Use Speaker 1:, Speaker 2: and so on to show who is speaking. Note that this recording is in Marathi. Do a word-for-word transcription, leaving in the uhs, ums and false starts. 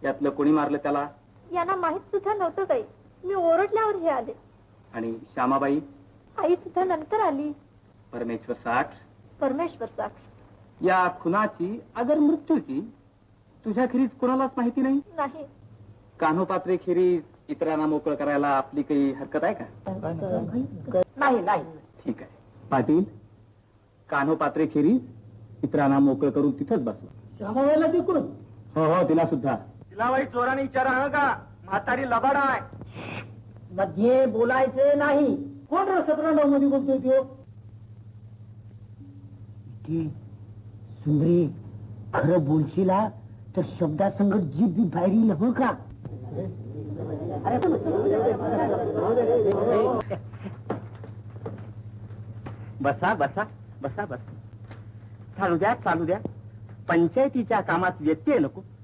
Speaker 1: यातलं कोणी मारलं त्याला?
Speaker 2: यांना माहित सुद्धा नव्हतं काही. मी ओरडल्यावर हे आले.
Speaker 1: आणि श्यामाबाई?
Speaker 2: आई सुद्धा नंतर आली.
Speaker 1: परमेश्वर साक्ष.
Speaker 2: परमेश्वर साक्ष.
Speaker 1: या खुनाची अगर मृत्यूची तुझ्याखेरीज कोणालाच माहिती नाही?
Speaker 2: नाही.
Speaker 1: कान्होपात्रे खेरीज इतरांना मोकळं करायला आपली काही हरकत आहे का?
Speaker 2: नाही नाही.
Speaker 1: ठीक आहे. पाटील, कान्होपात्रे खेरीज इतरांना मोकळं करून तिथंच बसवा.
Speaker 3: श्यामाबाईला देखून?
Speaker 1: हो हो, तिला सुद्धा.
Speaker 3: तिला वाईट चोराने विचारा का? म्हातारी लबाड आहे. मध्ये बोलायचे नाही. कोण रे सतरा नऊ मध्ये बोलतोय तो? सुंदरी, खरं बोलशीला तर शब्दासंगत जीभ बी बाहेर येईल हो का?
Speaker 1: बसा बसा बसा बसा. चालू द्या चालू द्या. पंचायतीच्या कामात व्यत्यय नको.